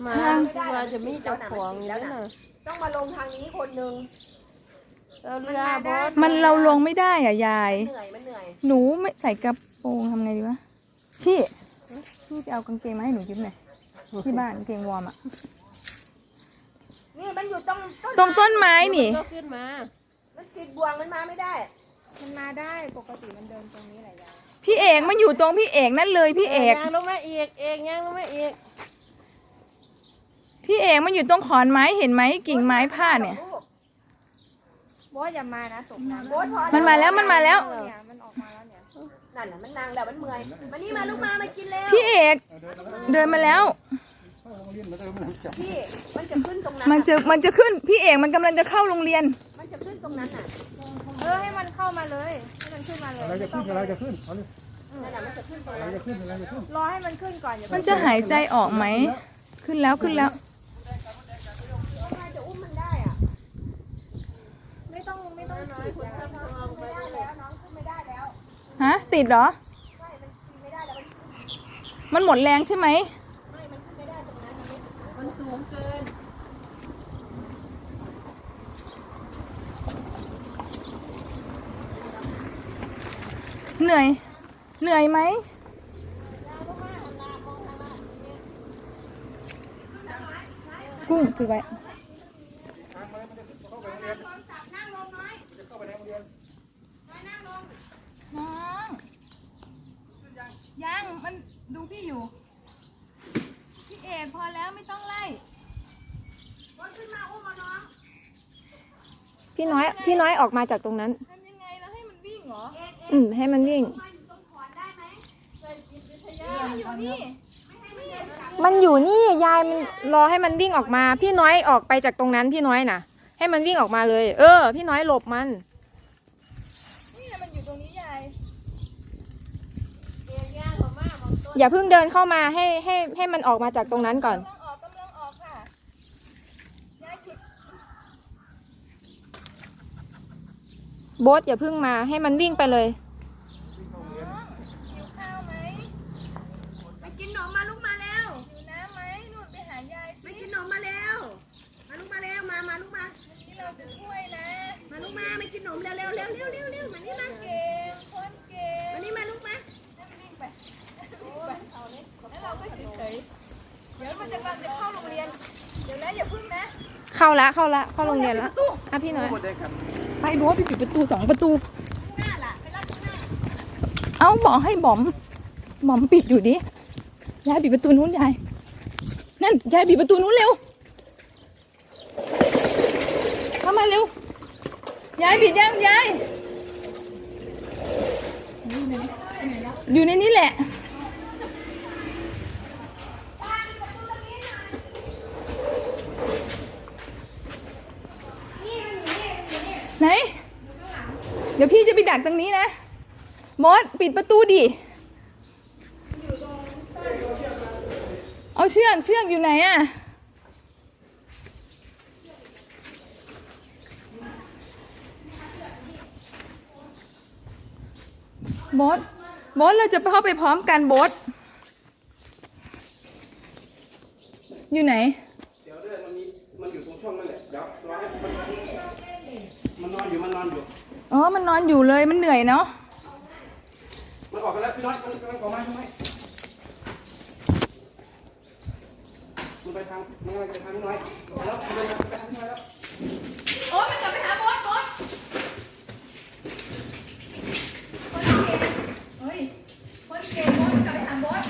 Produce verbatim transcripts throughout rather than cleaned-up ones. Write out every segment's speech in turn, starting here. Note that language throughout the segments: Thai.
มาเราจะมีเจ้าของแล้วนะต้องมาลงทางนี้คนนึงเราเรือบอสมันเราลงไม่ได้อ่ะยายเหนื่อยมันเหนื่อยหนูไม่ใส่กระโปรงทำไงดีวะพี่พี่จะเอากางเกงมาให้หนูยืมหน่อยที่บ้านกางเกงวอร์มอ่ะนี่มันอยู่ตรงตรงต้นไม้นี่ก็ขึ้นมามันติดบ่วงมันมาไม่ได้มันมาได้ปกติมันเดินตรงนี้แหละยายพี่เอกมันอยู่ตรงพี่เอกนั่นเลยพี่เอกย่างลงมาอีกเอกย่างลงมาอีกพี่เอกมันอยู่ตรงขอนไม้เห็นไหมกิ่งไม้พาดเนี่ยบอสอย่ามานะตกน้ำมันมาแล้วมันมาแล้วเนี่ยมันออกมาแล้วเนี่ยนั่นน่ะมันนางแล้วมันเมื่อยมานี่มาลูกมามากินแล้วพี่เอกเดินมาแล้วพี่มันจะขึ้นตรงนั้นมันจะมันจะขึ้นพี่เอกมันกำลังจะเข้าโรงเรียนมันจะขึ้นตรงนั้นน่ะเออให้มันเข้ามาเลยให้มันขึ้นมาเลยอะไรจะขึ้นอะไรจะขึ้นเอาเลยนั่นน่ะมันจะขึ้นตรงอะไรนั้นจะขึ้นอะไรจะขึ้นรอให้มันขึ้นก่อนอย่ามันจะหายใจออกไหมขึ้นแล้วขึ้นแล้วจะอุ้มมันได้อ่ะไม่ต้องไม่ต้องฉีดยาไม่ได้แล้วน้องขึ้นไม่ได้แล้วฮะติดเหรอใช่มันขึ้นไม่ได้แล้วมันมันหมดแรงใช่ไหมไม่มันขึ้นไม่ได้ตรงนั้นมันสูงเกินเหนื่อยเหนื่อยไหมกุ้งถือไว้น้องยังมันดูพี่อยู่พี่เอกพอแล้วไม่ต้องไล่ขึ้นมาอุ้มมาน้องพี่น้อยพี่น้อยออกมาจากตรงนั้นทำยังไงแล้วให้มันวิ่งเหรออืมให้มันวิ่งอยู่นี่มันอยู่นี่ยายมันรอให้มันวิ่งออกมาพี่น้อยออกไปจากตรงนั้นพี่น้อยน่ะให้มันวิ่งออกมาเลยเออพี่น้อยหลบมันนี่มันอยู่ตรงนี้ยายอย่าเพิ่งเดินเข้ามาให้ให้ให้มันออกมาจากตรงนั้นก่อนกำลังออกกำลังออกค่ะยายหยุดโบ๊ทอย่าเพิ่งมาให้มันวิ่งไปเลยหิวข้าวไหมไปกินขนมมาลูกมาแล้วหิวน้ำไหมนู่นไปหายายไปกินขนมมาแล้วมาลูกมาแล้วมามาลูกมาวันนี้เราจะช่วยนะมาลูกมาไปกินขนมเร็วเร็วเร็วเร็วเร็วเร็วมานี่มาเก่งคนเก่งมานี่มาลูกมาวิ่งไปแล้วเราก็เฉยๆเดี๋ยวมันจะกำลังจะเข้าโรงเรียนเดี๋ยวนะอย่าพึ่งนะเข้าละเข้าละเข้าโรงเรียนละอ่ะพี่น้อยไปโบ๊ทไปปิดประตูสองประตูเอาบอกให้บอมบอมปิดอยู่ดิยายปิดประตูนู้นยายนั่นยายปิดประตูนู้นเร็วเข้ามาเร็วยายปิดยังยายอยู่ในนี้แหละไหนเดี๋ยวพี่จะไปดักตรงนี้นะมดปิดประตูดิเอาเชือกเชือกอยู่ไหนอะบอสบอสเราจะเข้าไปพร้อมกันบอสอยู่ไหนเดี๋ยวเรื่องมันมีมันอยู่ตรงช่องนั่นแหละเดี๋ยวรอให้มันนอนอยู่มันนอนอยู่อ๋อมันนอนอยู่เลยมันเหนื่อยเนาะมันออกกันแล้วพี่น้อยมันกำลังออกมาใช่ไหมมันไปทางมันกำลังไปทางน้อยแล้วมันไปทางน้อยแล้วโอ้ยมันกลับไปหาบอสบอสคนเก่งเฮ้ยคนเก่งบอสมันกลับไปหาบอส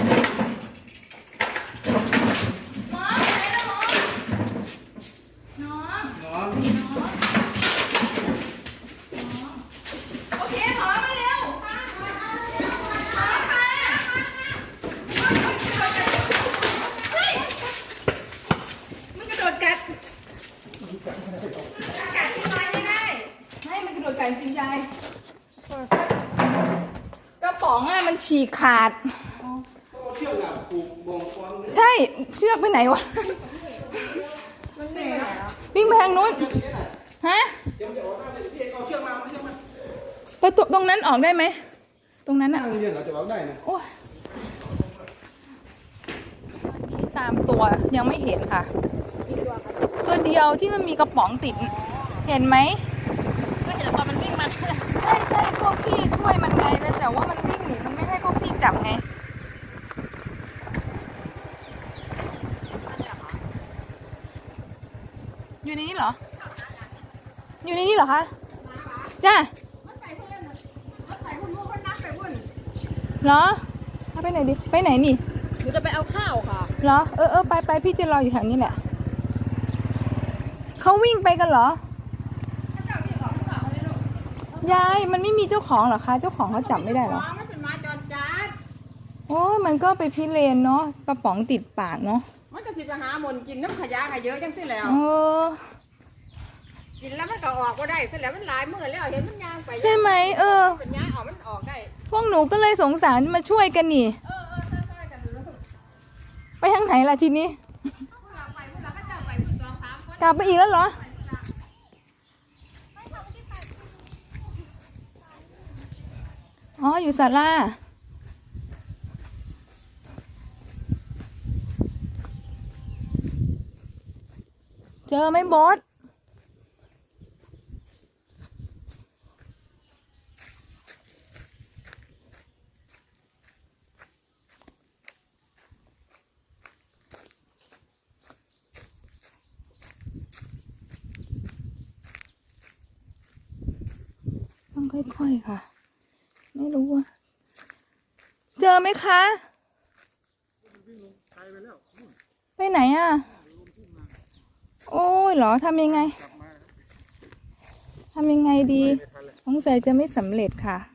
หมอไหนแล้วหมอน้องน้องโอเคหมอมาเร็วหมอมาเฮ้ยมันกระโดดกัดกัดที่ไม้ไม่ได้ให้มันกระโดดกัดจริงใจกระป๋องอ่ะมันฉีกขาดเชือกน่ะผูกบ่งควงใช่เชือกไปไหนวะวิ่งไปทางนู้นฮะประตูตรงนั้นออกได้ไหมตรงนั้นอ่ะนั่งเรียนเหรอจะออกได้นะโอ้ยตตามตัวยังไม่เห็นค่ะ ตัวเดียวที่มันมีกระป๋องติด เห็นไหมก็เห็นตอนมันวิ่งมาใช่ใช่พวกพี่ช่วยมันไงแล้วแต่ว่ามันวิ่งหนีมันไม่ให้พวกพี่จับไง อยู่ในนี้เหรอ อยู่ในนี้เหรอคะจ้าเหรอเอาไปไหนดิไปไหนนี่หนูจะไปเอาข้าวค่ะเหรอเออเออไปไปพี่จะรออยู่แถวนี้แหละเขาวิ่งไปกันเหรอยายมันไม่มีเจ้าของเหรอคะเจ้าของเขาจับไม่ได้เหรอมันเป็นมาจรจัดโอ้ยมันก็ไปพิเรนเนาะกระป๋องติดปากเนาะมันก็สิไปหาหมนกินน้ำขยะขยเยอะจังสิแล้วเออกินแล้วมันก็ออกก็ได้เสร็จแล้วมันหลายมื้อแล้วเห็นมันย่างไปใช่ไหมเออเป็นย่างออกมันออกได้พวกหนูก็เลยสงสารมาช่วยกันนี่เออเออใช่ๆกันอยู่แล้วไปทางไหนล่ะทีนี้พวกเราไปพวกเราก็จะไปพวกสองสามคนกลับไปอีกแล้วเหรอ อ๋อ อยู่ศาลาเจอไหมบอสต้องค่อยๆค่ะ ไม่รู้ว่า เจอไหมคะ ไปไหนอ่ะ โอ้ยเหรอทำยังไง ทำยังไงดีสงสัยจะไม่สำเร็จค่ะ